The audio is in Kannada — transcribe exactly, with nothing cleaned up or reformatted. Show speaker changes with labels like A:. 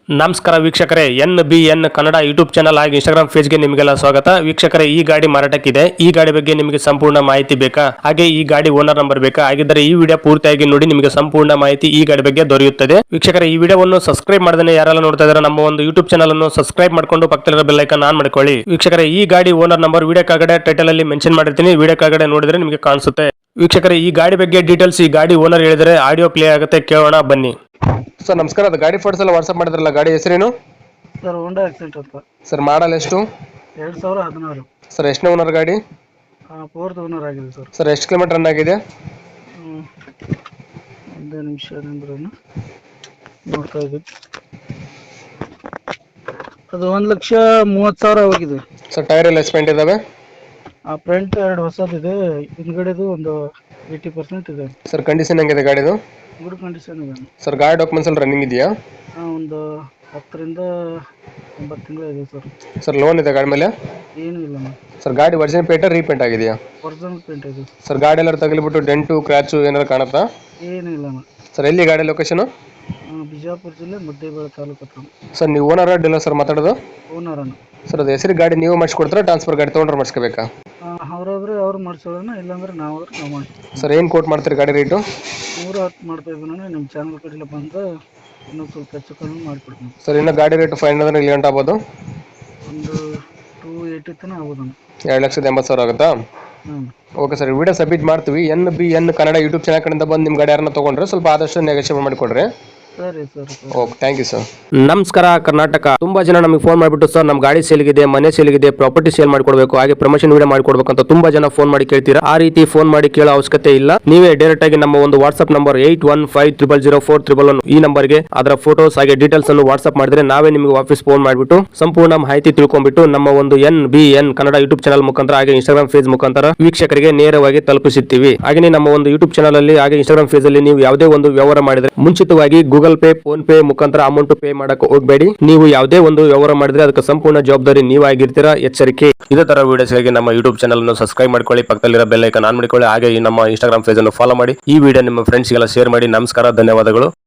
A: ನಮಸ್ಕಾರ ವೀಕ್ಷಕರೇ, N B N Kannada YouTube channel ಹಾಗೂ ಇನ್ಸ್ಟಾಗ್ರಾಮ್ ಪೇಜ್ಗೆ ನಿಮಗೆಲ್ಲ ಸ್ವಾಗತ. ವೀಕ್ಷಕರೇ, ಈ ಗಾಡಿ ಮಾರಾಟಕ್ಕಿದೆ. ಈ ಗಾಡಿ ಬಗ್ಗೆ ನಿಮಗೆ ಸಂಪೂರ್ಣ ಮಾಹಿತಿ ಬೇಕಾ? ಹಾಗೆ ಈ ಗಾಡಿ ಓನರ್ ನಂಬರ್ ಬೇಕಾ? ಹಾಗಿದ್ದರೆ ಈ ವಿಡಿಯೋ ಪೂರ್ತಿಯಾಗಿ ನೋಡಿ, ನಿಮಗೆ ಸಂಪೂರ್ಣ ಮಾಹಿತಿ ಈ ಗಾಡಿ ಬಗ್ಗೆ ದೊರೆಯುತ್ತದೆ. ವೀಕ್ಷಕರೇ, ಈ ವಿಡಿಯೋವನ್ನು ಸಬ್ಸ್ಕ್ರೈಬ್ ಮಾಡದೇ ಯಾರೆಲ್ಲ ನೋಡ್ತಾ ಇದ್ದಾರೆ ನಮ್ಮ ಒಂದು ಯೂಟ್ಯೂಬ್ ಚಾನಲ್ ಅನ್ನು ಸಬ್ಸ್ಕ್ರೈಬ್ ಮಾಡ್ಕೊಂಡು ಪಕ್ಕದಲ್ಲಿರೋ ಬೆಲ್ ಐಕಾನ್ ಆನ್ ಮಾಡ್ಕೊಳ್ಳಿ. ವೀಕ್ಷಕರೇ, ಈ ಗಾಡಿ ಓನರ್ ನಂಬರ್ ವಿಡಿಯೋ ಕೆಳಗಡೆ ಟೈಟಲ್ ಅಲ್ಲಿ ಮೆನ್ಷನ್ ಮಾಡಿರ್ತೀನಿ, ವಿಡಿಯೋ ಕೆಳಗಡೆ ನೋಡಿದ್ರೆ ನಿಮಗೆ ಕಾಣಿಸುತ್ತೆ. ವೀಕ್ಷಕರೇ, ಈ ಗಾಡಿ ಬಗ್ಗೆ ಡೀಟೇಲ್ಸ್ ಈ ಗಾಡಿ ಓನರ್ ಹೇಳಿದರೆ ಆಡಿಯೋ ಪ್ಲೇ ಆಗುತ್ತೆ, ಕೇಳೋಣ ಬನ್ನಿ. ಸರ್ ನಮಸ್ಕಾರ, ಅದು ಗಾಡಿ ಫೋಟೋಸ್ ಎಲ್ಲ ವಾಟ್ಸ್ಆಪ್ ಮಾಡಿದ್ರಲ್ಲ, ಗಾಡಿ ಹೆಸರೇನು
B: ಸರ್? ಹೋಂಡಾ ಆಕ್ಸೆಂಟ್ ಅಂತ. ಸರ್ ಮಾಡಲ್ ಎಷ್ಟು? ಎರಡು ಸಾವಿರ ಹದಿನಾರು. ಸರ್ ಎಷ್ಟನೇ ಓನರ್ ಗಾಡಿ? ಫೋರ್ತ್ ಓನರ್ ಆಗಿದೆ ಸರ್. ಸರ್ ಎಷ್ಟು ಕಿಲೋಮೀಟರ್ ರನ್ ಆಗಿದೆ? ಒಂದು ನಿಮಿಷ ಅಂದ್ರೆ ನೋಡ್ತಾ ಇದ್ದೀವಿ. ಅದು ಒಂದು ಲಕ್ಷ ಮೂವತ್ತು ಸಾವಿರ ಹೋಗಿದೆ. ಸರ್ ಟೈರ್ ಎಲ್ಲ ಎಸ್ಪೆಂಟ್ ಇದಾವೆ? ಆ ಫ್ರಂಟ್ ಎರಡು ಹೊಸದಿದೆ, ಹಿಂದ್ಗಡೆದು ಒಂದು ಏಯ್ಟಿ ಪರ್ಸೆಂಟ್ ಇದೆ. ಸರ್ ಕಂಡೀಷನ್ ಹೆಂಗಿದೆ ಗಾಡಿದು? ಗುಡ್ ಕಂಡೀಷನ್ ಇದೆ. ಸರ್ ಗಾಡಿ ಡಾಕ್ಯುಮೆಂಟ್ಸ್ ಎಲ್ಲ ರನ್ನಿಂಗ್ ಇದೆಯಾ? ಹಾಂ, ಒಂದು ಹತ್ತರಿಂದ ಒಂಬತ್ತು ತಿಂಗಳು ಇದೆ ಸರ್. ಸರ್ ಲೋನ್ ಇದೆ ಗಾಡಿ ಮೇಲೆ? ಏನೂ ಇಲ್ಲ ಮ್ಯಾಮ್. ಸರ್ ಗಾಡಿ ಒರಿಜಿನಲ್ ಪೇಂಟ್ ರೀಪೇಂಟ್ ಆಗಿದೆಯಾ? ಒರಿಜಿನಲ್ ಪೇಂಟ್ ಇದೆ. ಸರ್ ಗಾಡಿ ಎಲ್ಲ ತಗಲಿಬಿಟ್ಟು ಡೆಂಟು ಕ್ರ್ಯಾಚು ಏನಾದ್ರು ಕಾಣುತ್ತಾ? ಏನೂ ಇಲ್ಲ ಮ್ಯಾಮ್. ಸರ್ ಎಲ್ಲಿ ಗಾಡಿ ಲೊಕೇಶನ್? ಬಿಜಾಪುರ ಜಿಲ್ಲೆ ಮುದ್ದೇಬೇಳೆ ತಾಲೂಕು ಹತ್ರ. ಸರ್ ನೀವು ಓನರ್ ಡೀಲರ್ ಸರ್ ಮಾತಾಡೋದು? ಓನರ್ ಅನ್ನ. ಸರ್ ಅದು ಹೆಸರು ಗಾಡಿ ನೀವು ಮಾಡಿಸ್ಕೊಡ್ತಾರೆ, ಟ್ರಾನ್ಸ್ಫರ್ ಗಾಡಿ ತೊಗೊಂಡ್ರೆ ಮಾಡಿಸ್ಕೋಬೇಕಾ? ಅವರಾದ್ರೆ ಅವ್ರು ಮಾಡಿಸೋಣ, ಇಲ್ಲಾಂದ್ರೆ ನಾವು ನಾವು ಮಾಡ್ತೀವಿ. ಸರ್ ಏನು ಕೋಟ್ ಮಾಡ್ತೀರಿ ಗಾಡಿ ರೇಟು? ನೂರ ಹತ್ತು ಮಾಡ್ತಾ ಇದ್ದೀವಿ. ನಾನು ನಿಮ್ಮ ಚಾನಲ್ ಕಡೆಲ್ಲ ಬಂದು ಇನ್ನೊಂದು ಸ್ವಲ್ಪ ಹೆಚ್ಚು ಕಡಿಮೆ ಮಾಡಿಕೊಡ್ತೀನಿ. ಸರ್ ಇನ್ನು ಗಾಡಿ ರೇಟು ಫೈವ್ ಅಂದ್ರೆ ಇಲ್ಲಿ ಗಂಟೆ ಆಗ್ಬೋದು? ಒಂದು ಟೂ ಏಯ್ಟಿ ತನಕ ಆಗ್ಬೋದು. ಎರಡು ಲಕ್ಷದ ಎಂಬತ್ತು ಸಾವಿರ ಆಗುತ್ತಾ? ಹ್ಞೂ, ಓಕೆ ಸರ್. ವಿಡಿಯೋ ಸಬ್ಮಿಟ್ ಮಾಡ್ತೀವಿ. N B N Kannada YouTube channel ಕಡೆಯಿಂದ ಬಂದು ನಿಮ್ಮ ಗಾಡಿ ಯಾರನ್ನ ತೊಗೊಂಡ್ರೆ ಸ್ವಲ್ಪ ಆದಷ್ಟು ನೆಗೋಷಿಯೇಟ್ ಮಾಡಿಕೊಡ್ರಿ. ಸರಿ sir. Okay, thank you sir.
A: ನಮಸ್ಕಾರ ಕರ್ನಾಟಕ. ತುಂಬಾ ಜನ ನಮಗೆ ಫೋನ್ ಮಾಡಿಬಿಟ್ಟು, ಸರ್ ನಮ್ಮ ಗಾಡಿ ಸೇಲ್ಗಿದೆ, ಮನೆ ಸೇಲ್ಗಿದೆ, ಪ್ರಾಪರ್ಟಿ ಸೇಲ್ ಮಾಡ್ಕೊಡ್ಬೇಕು, ಹಾಗೆ ಪ್ರಮೋಷನ್ ವಿಡಿಯೋ ಮಾಡ್ಕೊಡ್ಬೇಕು ಅಂತ ತುಂಬಾ ಜನ ಫೋನ್ ಮಾಡಿ ಕೇಳ್ತೀರಾ. ಆ ರೀತಿ ಫೋನ್ ಮಾಡಿ ಕೇಳೋ ಅವಶ್ಯಕತೆ ಇಲ್ಲ. ನೀವೇ ಡೈರೆಕ್ಟ್ ಆಗಿ ನಮ್ಮ ಒಂದು WhatsApp number eight one five triple zero four triple one ಈ ನಂಬರ್ಗೆ ಅದರ ಫೋಟೋಸ್ ಹಾಗೆ ಡೀಟೇಲ್ಸ್ ಅನ್ನು ವಾಟ್ಸ್ಆಪ್ ಮಾಡಿದ್ರೆ ನಾವೇ ನಿಮಗೆ ವಾಪಸ್ ಫೋನ್ ಮಾಡಿಬಿಟ್ಟು ಸಂಪೂರ್ಣ ಮಾಹಿತಿ ತಿಳ್ಕೊಂಡ್ಬಿಟ್ಟು ನಮ್ಮ ಒಂದು N B N Kannada YouTube channel ಮುಖಾಂತರ ಹಾಗೆ ಇನ್ಸ್ಟಾಗ್ರಾಮ್ ಪೇಜ್ ಮುಖಾಂತರ ವೀಕ್ಷಕರಿಗೆ ನೇರವಾಗಿ ತಲುಪಿಸುತ್ತೀವಿ. ಹಾಗೆ ನಮ್ಮ ಒಂದು ಯೂಟ್ಯೂಬ್ ಚಾನಲ್ ಅಲ್ಲಿ ಹಾಗೆ ಇನ್ಸ್ಟಾಗ್ರಾಮ್ ಪೇಜ್ ಅಲ್ಲಿ ನೀವು ಯಾವುದೇ ಒಂದು ವ್ಯವಹಾರ ಮಾಡಿದ್ರೆ ಮುಂಚಿತವಾಗಿ ಗೂಗಲ್ ಪೇ, ಫೋನ್ ಪೇ ಮುಖಾಂತರ ಅಮೌಂಟ್ ಪೇ ಮಾಡಕ್ಕೆ ಹೋಗಬೇಡಿ. ನೀವು ಯಾವುದೇ ಒಂದು ವ್ಯವಹಾರ ಮಾಡಿದ್ರೆ ಅದಕ್ಕೆ ಸಂಪೂರ್ಣ ಜವಾಬ್ದಾರಿ ನೀವಾಗಿರ್ತೀರಾ, ಎಚ್ಚರಿಕೆ. ಇದೇ ತರ ವಿಡಿಯೋಸ್ಗಾಗಿ ನಮ್ಮ ಯೂಟ್ಯೂಬ್ ಚಾನಲ್ ಅನ್ನು ಸಬ್ಸ್ಕ್ರೈಬ್ ಮಾಡ್ಕೊಳ್ಳಿ, ಪಕ್ಕದಲ್ಲಿರೋ ಬೆಲ್ ಐಕಾನ್ ಆನ್ ಮಾಡಿಕೊಳ್ಳಿ, ಹಾಗೆ ಈ ನಮ್ಮ ಇನ್ಸ್ಟಾಗ್ರಾಮ್ ಪೇಜ್ ಅನ್ನು ಫಾಲೋ ಮಾಡಿ. ಈ ವಿಡಿಯೋ ನಿಮ್ಮ ಫ್ರೆಂಡ್ಸ್ಗೆಲ್ಲ ಶೇರ್ ಮಾಡಿ. ನಮಸ್ಕಾರ, ಧನ್ಯವಾದಗಳು.